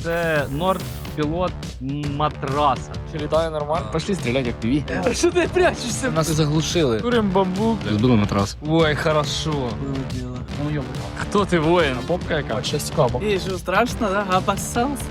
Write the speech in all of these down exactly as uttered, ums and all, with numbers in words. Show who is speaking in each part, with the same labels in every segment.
Speaker 1: це Nord Pilot матраса.
Speaker 2: Чи літає нормально?
Speaker 3: Пошли стрелять як піві.
Speaker 2: А що ти прячешся?
Speaker 3: Нас заглушили.
Speaker 2: Курим бамбук.
Speaker 3: Збили матрас.
Speaker 2: Ой, хорошо.
Speaker 4: Было дело.
Speaker 3: Ну йома.
Speaker 2: Хто ти, воїн? Попка яка? Щось цікаво.
Speaker 4: И что, страшно, да? Опасался?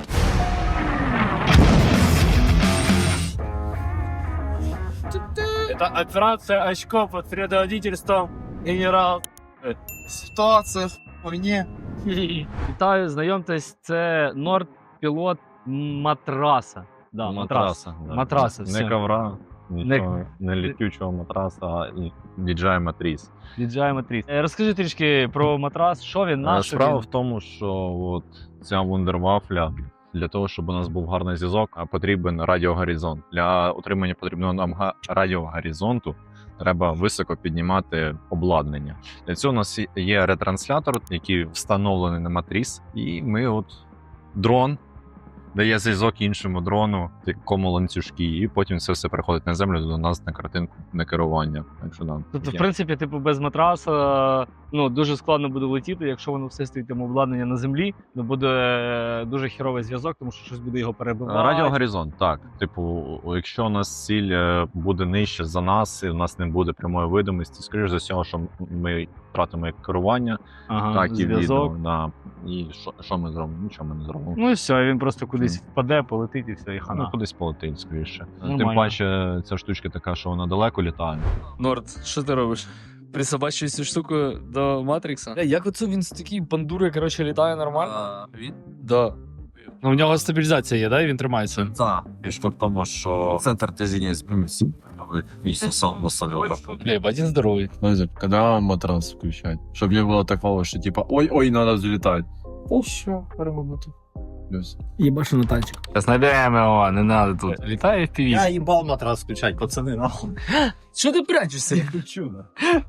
Speaker 2: Это операция «Очко» под предводительством генерал.
Speaker 4: Ситуация в хуйне.
Speaker 1: Вітаю, знайомтесь, це Nord Pilot матраса. Да, матрас.
Speaker 5: Матраса. Да.
Speaker 1: Матраса, все.
Speaker 5: Не ковра, нічого,
Speaker 1: Не-
Speaker 5: не, літючого матраса, а і ді джей матріс.
Speaker 1: ді джей матріс. Е, Розкажи трішки про матрас, що він, на
Speaker 5: Е,
Speaker 1: що
Speaker 5: Справа
Speaker 1: він?
Speaker 5: в тому, що от ця вундервафля, для того, щоб у нас був гарний зв'язок, а потрібен радіогоризонт. Для отримання потрібного нам га- радіогоризонту треба високо піднімати обладнання. Для цього у нас є ретранслятор, який встановлений на матріс, і ми от дрон дає зв'язок іншому дрону, такому ланцюжки, і потім це все приходить на землю до нас на картинку на керування. Так що, да,
Speaker 1: Тобто, в
Speaker 5: є.
Speaker 1: принципі, типу, без матраса ну, дуже складно буде летіти, якщо воно все стоїть там обладнання на землі, то буде е, дуже хіровий зв'язок, тому що щось буде його перебивати.
Speaker 5: Радіогоризонт, так. Типу, якщо у нас ціль е, буде нижче за нас, і в нас не буде прямої видимості, скоріш за всього, що ми втратимо як керування,
Speaker 1: Ага,
Speaker 5: так і відео.
Speaker 1: зв'язок.
Speaker 5: Да. І що, що ми зробимо? Нічого ми не зробимо.
Speaker 1: Ну і все, він просто кудись впаде, полетить і все, і хана.
Speaker 5: Ну, кудись полетить, скоріше.
Speaker 1: Нормально.
Speaker 5: Тим паче, ця штучка така, що вона далеко літає.
Speaker 2: Норд, що ти робиш? Присобачуєш цю штуку до Матрікса? Бля, як оце він з такої бандури, коротше, літає нормально?
Speaker 4: Він?
Speaker 2: Да. Ну, в нього стабілізація є, да, і він тримається.
Speaker 6: Так, фішка в тому, що центр тяжіння змінився, вічно сам посадив.
Speaker 2: Бля, один здоровий.
Speaker 7: Подожди, когда матрас включать? Чтобы не было такого, что типа ой-ой, надо взлетать.
Speaker 2: О, все, перемогнути.
Speaker 7: Плюс.
Speaker 4: Ебашу на танчик.
Speaker 3: Знайдемо його, не надо тут.
Speaker 2: Літає в піві.
Speaker 6: Я їбав матрас включать, пацани, нахуй.
Speaker 2: Що ти прячешся?
Speaker 6: Включу, да.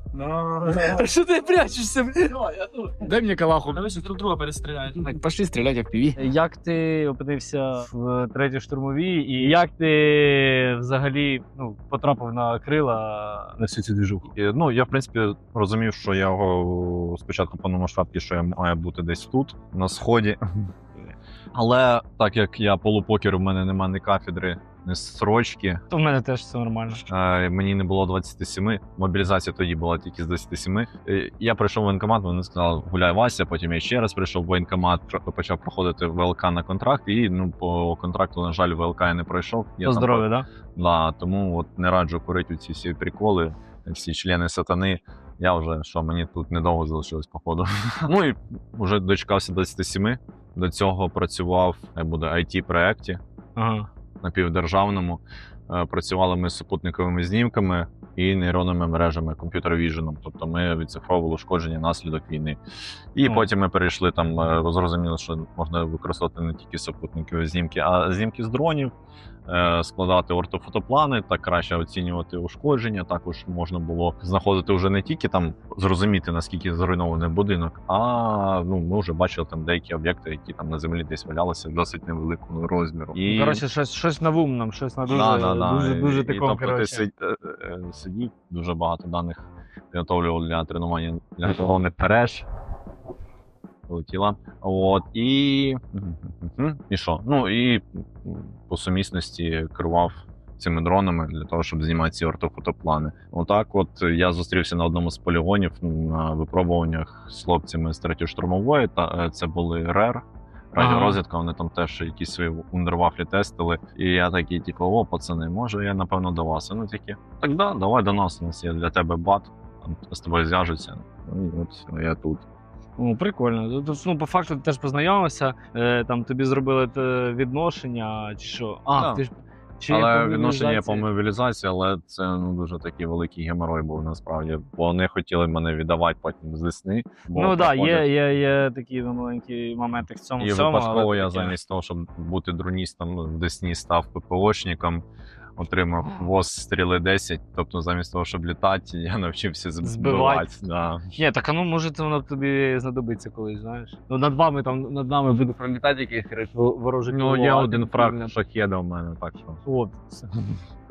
Speaker 2: Що ти прячешся? Дай мені калаху.
Speaker 4: Давайте друг друга перестреляют.
Speaker 3: Так, пошли стрелять як піві.
Speaker 1: Як ти опинився в третій штурмовій, і як ти взагалі ну, потрапив на крила на всю цю двіжуху?
Speaker 5: І, ну, я, в принципі, розумів, що я його спочатку по масштабці, що я маю бути десь тут, на сході. Але так як я полупокер, у мене немає ні кафедри, ні строчки,
Speaker 1: То в мене теж все нормально.
Speaker 5: е, мені не було двадцяти семи, мобілізація тоді була тільки з двадцяти семи. Е, Я прийшов в воєнкомат, вони сказали, гуляй Вася, потім я ще раз прийшов в воєнкомат, тро- почав проходити ВЛК на контракт, і ну, по контракту, на жаль, ВЛК я не пройшов. Я
Speaker 1: По
Speaker 5: там
Speaker 1: здоров'ю, так?
Speaker 5: Да, тому от не раджу курити ці всі приколи, всі члени сатани. Я вже, що мені тут недовго залишилось, походу. Ну і вже дочекався двадцяти семи. До цього працював, я буде ай ті-проєкті
Speaker 1: Ага.
Speaker 5: напівдержавному. Е, Працювали ми з супутниковими знімками і нейронними мережами, комп'ютер-віженом. Тобто ми відцифровували ушкодження наслідок війни. І
Speaker 1: О.
Speaker 5: потім ми перейшли там, е, зрозуміло, що можна використовувати не тільки супутникові знімки, а знімки з дронів, е, складати ортофотоплани, так краще оцінювати ушкодження. Також можна було знаходити вже не тільки там зрозуміти, наскільки зруйнований будинок, а ну, ми вже бачили там деякі об'єкти, які там на землі десь валялися досить невеликого розміру.
Speaker 1: І... Коротше, щось, щось на вум нам, щось на дуже,
Speaker 5: Да, да, да.
Speaker 1: дуже, дуже
Speaker 5: І- і,
Speaker 1: такому,
Speaker 5: тобто ти
Speaker 1: коротше.
Speaker 5: сид- е, е, сидів, дуже багато даних підготовлював для тренування для головних переж. Полетіла. От, і... Мгм. І що? Ну, і по сумісності керував цими дронами для того, щоб знімати ці ортофотоплани. Отак от я зустрівся на одному з полігонів на випробуваннях з хлопцями з третьої штурмової, та е, це були РЕР. Радіорозвідка, вони там теж якісь свої вундервафлі тестили. І я такий, типу, о, пацани, може я напевно до вас. Ну такі, так да, давай до нас, у нас є для тебе бат, там з тобою зв'яжуться. Ну і от я тут.
Speaker 1: Ну, прикольно. Тут, ну, по факту ти теж познайомився, е, там тобі зробили те відношення, чи що? А,
Speaker 5: Так.
Speaker 1: ти ж... Чи
Speaker 5: Але
Speaker 1: по
Speaker 5: відношення є по
Speaker 1: мобілізації?
Speaker 5: мобілізації, але це ну дуже такий великий геморой був насправді. Бо вони хотіли мене віддавати потім з весни. бо
Speaker 1: Ну так, да,
Speaker 5: проходять-
Speaker 1: є, є, є такі маленькі моменти в цьому
Speaker 5: І
Speaker 1: всьому.
Speaker 5: випадково
Speaker 1: але
Speaker 5: я
Speaker 1: таке.
Speaker 5: замість того, щоб бути дроністом, в Десні став ППОшником, отримав ВОЗ стріли десять. Тобто, замість того, щоб літати, я навчився
Speaker 1: Збивати.
Speaker 5: збивати. Да.
Speaker 1: Ні, так а ну може це воно тобі знадобиться колись, знаєш. Ну над вами там над нами буде пролітати якийсь коротше, ворожий
Speaker 5: Ну, є
Speaker 1: крило, а
Speaker 5: один
Speaker 1: ти
Speaker 5: фраг
Speaker 1: блін,
Speaker 5: шахеда в мене, так що.
Speaker 1: От.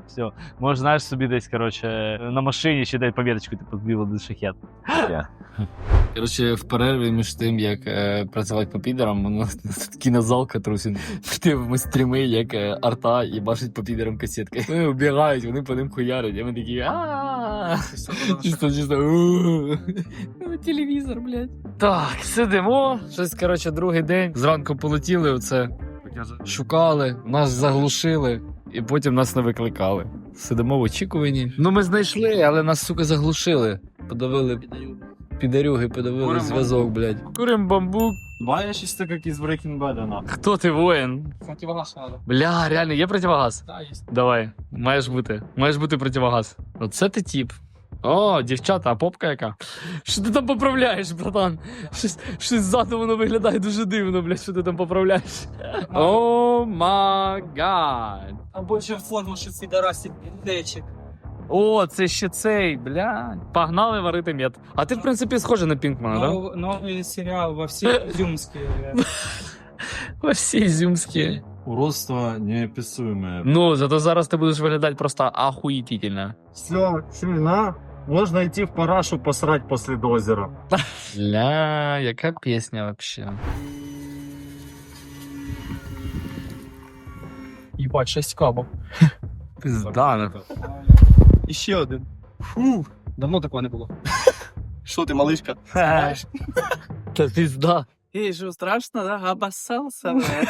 Speaker 1: Все. Може, знаєш собі десь, коротше, на машині ще дай пам'яточку, типу, збив до шахет.
Speaker 2: Коротше, в перерві між тим, як е, працювати по підерам, воно кінозалка трусить. Дивимо стріми, як е, арта і бачить по підерам касетки. Вони вбігають, вони по ним хуярять, а ми такі ааа. Чисто, чисто. Телевізор, блядь. Так, сидимо. Щось, коротше, другий день. Зранку полетіли оце. Шукали, нас заглушили, і потім нас не викликали. Сидимо в очікуванні. Ну, ми знайшли, але нас, сука, заглушили. Подавили підарюги, подавили
Speaker 4: Курим
Speaker 2: зв'язок, блядь. Курим бамбук.
Speaker 4: Баєш із так, як із Breaking Bad, на.
Speaker 2: Хто ти, воїн?
Speaker 4: Противогаз надо.
Speaker 2: Бля, реально, є противогаз?
Speaker 4: Да, є.
Speaker 2: Давай, маєш бути. Маєш бути противогаз. Оце ти тіп. О, дівчата, а попка яка? Що ти там поправляєш, братан? Щось, щось ззаду воно виглядає дуже дивно, блядь, що ти там поправляєш. О май гад.
Speaker 4: А більше форму, що ці дорасі плечик.
Speaker 2: О, це ще цей, блядь. Погнали варити мед. А ти, в принципі, схожий на Пінкмана, да?
Speaker 4: Нов, новий серіал во всій Ізюмській.
Speaker 2: Во всі зюмські.
Speaker 7: Уродство неописуемое.
Speaker 2: Ну, зато зараз ти будеш виглядати просто ахуїтельно.
Speaker 8: Все, сильно. Можно идти в парашу посрать после дозера.
Speaker 2: Ля, яка пісня вообще.
Speaker 4: Їбать, шесть кабов.
Speaker 2: Пизда.
Speaker 4: І ще один. Фу, давно такого не було. Що ти, малишка?
Speaker 2: Та пизда.
Speaker 4: Ей, що, страшно, да? Обоссался, блядь.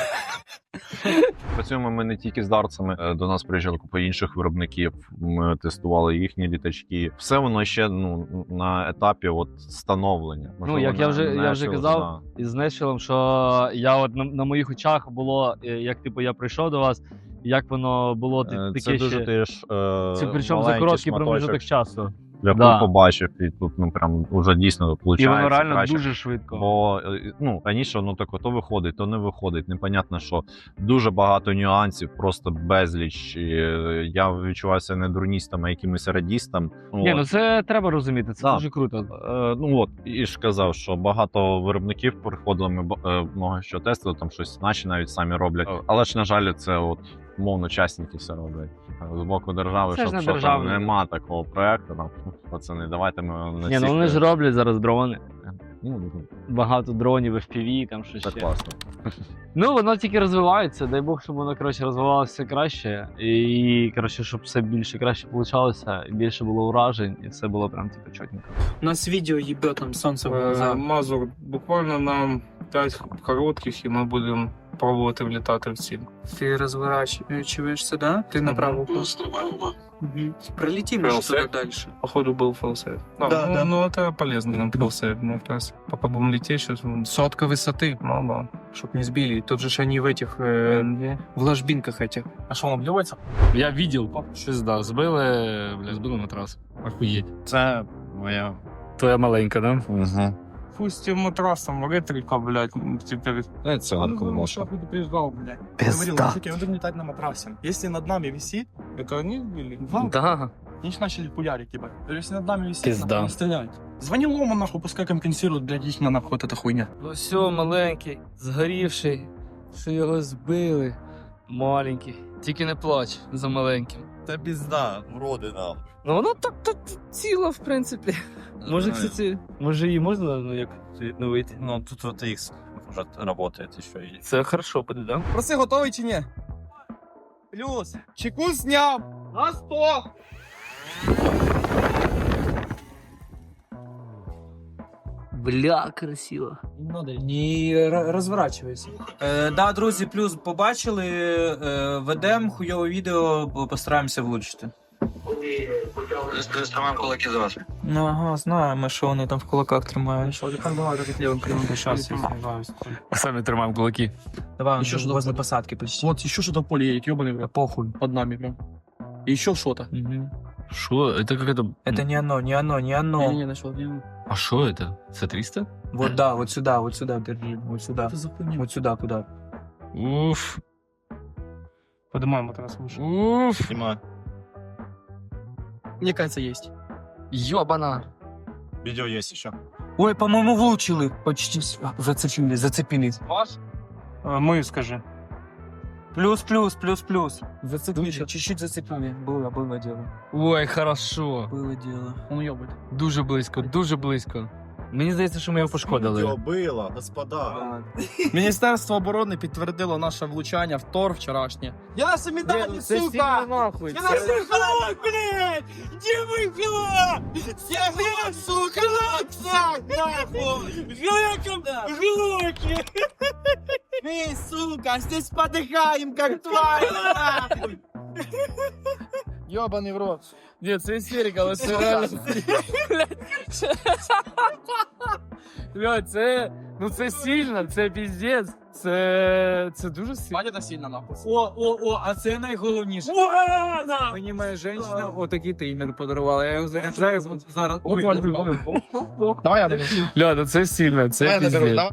Speaker 5: Працюємо ми не тільки з дарцями. Е, До нас приїжджали купа інших виробників. Ми тестували їхні літачки. Все воно ще ну на етапі от становлення.
Speaker 1: Ну, як я
Speaker 5: не-
Speaker 1: вже-
Speaker 5: не
Speaker 1: я вже
Speaker 5: ще,
Speaker 1: казав,
Speaker 5: да.
Speaker 1: із Нешвілом, що я от на, на моїх очах було, е, як типу я прийшов до вас, як воно було ти-
Speaker 5: Е,
Speaker 1: таке
Speaker 5: Це дуже
Speaker 1: ще.
Speaker 5: теж е,
Speaker 1: Це причому за
Speaker 5: маленький
Speaker 1: короткий
Speaker 5: шматочок.
Speaker 1: проміжок часу.
Speaker 5: Я
Speaker 1: Да.
Speaker 5: побачив, і тут ну прям уже дійсно виходить.
Speaker 1: І воно реально
Speaker 5: краще.
Speaker 1: дуже швидко.
Speaker 5: Бо е, ну раніше воно так то виходить, то не виходить. Непонятно, що дуже багато нюансів, просто безліч. І, е, я відчувався не дурністом, а якимось радістом.
Speaker 1: Ні,
Speaker 5: От.
Speaker 1: ну це треба розуміти, це
Speaker 5: Да.
Speaker 1: дуже круто.
Speaker 5: Е, ну от і ж казав, що багато виробників приходили, ми б- е, много що тестили, там щось наші навіть самі роблять. Е, Але ж на жаль, це от мовно частники все роблять. З боку держави,
Speaker 1: Це ж
Speaker 5: щоб
Speaker 1: не
Speaker 5: що там
Speaker 1: державне.
Speaker 5: нема такого проекту. Там пацани, давайте ми на
Speaker 1: Ні, ну
Speaker 5: всіх,
Speaker 1: вони
Speaker 5: е,
Speaker 1: ж роблять зараз дрони.
Speaker 5: ну, ну,
Speaker 1: Багато дронів, еф пі ві, там щось
Speaker 5: це
Speaker 1: ще.
Speaker 5: класно.
Speaker 1: Ну, воно тільки розвивається. Дай Бог, щоб воно коротше розвивалося краще. І коротше, щоб все більше краще получалося, і більше було уражень, і все було прям типу чотненько.
Speaker 4: У нас відео їбе там сонце в
Speaker 9: Е,
Speaker 4: глаза.
Speaker 9: Мазур, буквально нам п'ять коротких, і ми будемо пробувати влітати в ціль.
Speaker 4: Ти розворачуєшся, да? Ти направо просто. Угу. Пролетим
Speaker 9: Fail
Speaker 4: уже туда
Speaker 9: safe.
Speaker 4: дальше.
Speaker 9: Походу был фэлсейв. Да,
Speaker 4: Да,
Speaker 9: ну,
Speaker 4: да.
Speaker 9: ну это полезно нам фэлсейв. Мы как раз пока будем лететь сейчас. Сотка высоты. Ну да.
Speaker 4: Чтоб не сбили. Тут же ж они в этих, э, в ложбинках этих.
Speaker 9: А что, он обливается?
Speaker 2: Я видел. Щось, да, збили, бля, збили матрас. Охуєть.
Speaker 7: Це моя.
Speaker 2: Твоя маленька, да?
Speaker 7: Угу.
Speaker 9: Пусть и матрасом ретрика, блядь, теперь.
Speaker 7: Це
Speaker 4: А
Speaker 7: он
Speaker 4: ну, что предупреждал, блядь.
Speaker 2: Пизда.
Speaker 4: Говорил, мужики, мы будем летать на матрасе. Если над нами висит,
Speaker 9: Это они сбили?
Speaker 2: Да.
Speaker 4: они ж начали хуярить, ебать. Если над нами висит,
Speaker 2: Пизда.
Speaker 4: нахуй, не стреляют. Звони Лому, нахуй, пускай компенсирует, блядь, их на нахуй вот эта хуйня.
Speaker 2: Ну все, маленький, згорівший, що його збили. Маленький. Тільки не плач за маленьким.
Speaker 6: Та пізда, вроди нам.
Speaker 2: Ну воно так так ціло, в принципі. Може, кстати, може її можна ну, як відновити?
Speaker 6: Ну, тут вот X уже работает еще. И...
Speaker 2: Це хорошо буде, да?
Speaker 4: Проси, готовий чи ні? Плюс. Чеку зняв. На сто.
Speaker 2: Бля, красиво.
Speaker 4: Не розворачуйся. Е, да, друзі, плюс побачили, е, ведемо хуйове відео, постараємося влучити.
Speaker 6: Тримаємо кулаки за вас.
Speaker 4: Ну ага, знаємо, що вони там в кулаках тримають. Що, так давай, так лівим кривим
Speaker 9: Сейчас
Speaker 4: дишати.
Speaker 2: Самі тримаємо кулаки.
Speaker 4: Давай,
Speaker 9: Еще
Speaker 4: еще
Speaker 9: что-то
Speaker 4: возле
Speaker 9: будет.
Speaker 4: посадки почти.
Speaker 9: Вот еще что-то в поле едет, ебаный, бля.
Speaker 4: Похуй.
Speaker 9: Под нами, бля. И еще что-то.
Speaker 4: Мгм.
Speaker 2: Що? Це як это?
Speaker 4: Это не оно, не оно, не оно.
Speaker 9: Не-не-не, нашел. Не,
Speaker 2: А що это? Це триста?
Speaker 4: Вот да, вот сюда, вот сюда держи, вот сюда.
Speaker 9: это за хуйня?
Speaker 4: Вот сюда, куда?
Speaker 2: Уф.
Speaker 9: Поднимаем матрас выше.
Speaker 2: Уф.
Speaker 6: Снимаю.
Speaker 9: Мне кажется, есть.
Speaker 2: Йобана.
Speaker 6: Видео есть еще.
Speaker 4: Ой, по-моему, влучили. Почти с- зацепили, зацепились.
Speaker 9: Ваш? Мы, скажи.
Speaker 4: Плюс, плюс, плюс, плюс.
Speaker 2: Зацепили.
Speaker 4: Чуть-чуть зацепили. Было, было дело.
Speaker 2: Ой, хорошо.
Speaker 4: Было дело.
Speaker 9: Он ёбать.
Speaker 2: Дуже близько, дуже близько. Мені здається, що ми його пошкодили.
Speaker 8: Было, господа.
Speaker 9: Міністерство оборони підтвердило наше влучання в Тор вчорашнє. Я наші медалі, сука!
Speaker 2: нахуй.
Speaker 9: Я наші хлоп, блядь! Где мой хлоп? Я хлоп, сука, нахуй! Нахуй! Глоком, глоки! Эй, сука, здесь подыхаем, как тварь, нахуй! Ёбаный в рот.
Speaker 2: Ні, це істерика, але це реально. Бля, це, ну це сильно, це піздець, це, це дуже сильно.
Speaker 9: Бать, это сильно, нахуй.
Speaker 4: О, о, о, а це найголовніше.
Speaker 9: Мені моя жінка отакий таймер подарувала, я його заряджаю зараз.
Speaker 2: Бля, ну це сильно, це піздець.